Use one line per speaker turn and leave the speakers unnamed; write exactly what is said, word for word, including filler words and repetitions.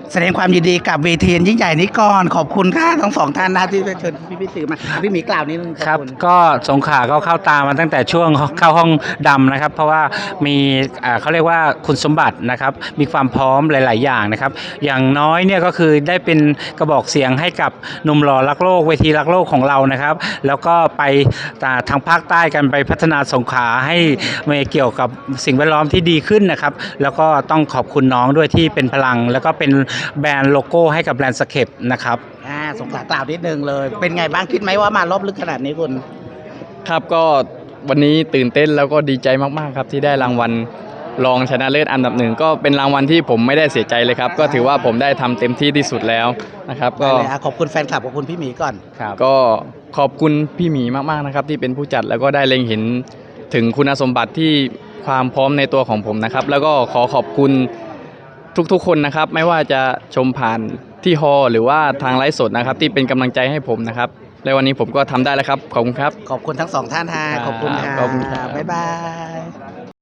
แสดงความยินดีกับเวทียิ่งใหญ่นี้ก่อนขอบคุณค่ะทั้งสองท่านนะที่เชิญพี่พี่สื่อมาพี่หมีกล่าวนิดนึง
ครับก็สงขลาก็เข้าตามาตั้งแต่ช่วงเข้าห้องดำนะครับเพราะว่ามีอ่าเขาเรียกว่าคุณสมบัตินะครับมีความพร้อมหลาย ๆ อย่างนะครับอย่างน้อยเนี่ยก็คือได้เป็นกระบอกเสียงให้กับหนุ่มหล่อรักโลกเวทีรักโลกของเรานะครับแล้วก็ไปทางภาคใต้กันไปพัฒนาสงขลาให้เกี่ยวกับสิ่งแวดล้อมที่ดีขึ้นนะครับแล้วก็ต้องขอบคุณน้องด้วยที่เป็นพลังแล้วก็เป็นแบรนด์โลโก้ให้กับแบรนด์สเคปนะครับ
อ่าสงขลากล่าวนิดนึงเลยเป็นไงบ้างคิดไหมว่ามารอบลึกขนาดนี้คุณ
ครับก็วันนี้ตื่นเต้นแล้วก็ดีใจมากๆครับที่ได้รางวัลรองชนะเลิศอันดับหนึ่งก็เป็นรางวัลที่ผมไม่ได้เสียใจเลยครับก็ถือว่าผมได้ทำเต็มที่ที่สุดแล้วนะครับก็
ขอบคุณแฟนคลับขอบคุณพี่หมีก่อน
ก็ขอบคุณพี่หมีมากๆนะครับที่เป็นผู้จัดแล้วก็ได้เล็งเห็นถึงคุณสมบัติที่ความพร้อมในตัวของผมนะครับแล้วก็ขอขอบคุณทุกๆคนนะครับไม่ว่าจะชมผ่านที่ฮอลหรือว่าทางไลฟ์สดนะครับที่เป็นกำลังใจให้ผมนะครับและวันนี้ผมก็ทำได้แล้วครับขอบคุณครับ
ขอบคุณทั้งสองท่านฮะขอบคุณค่ะบ๊ายบาย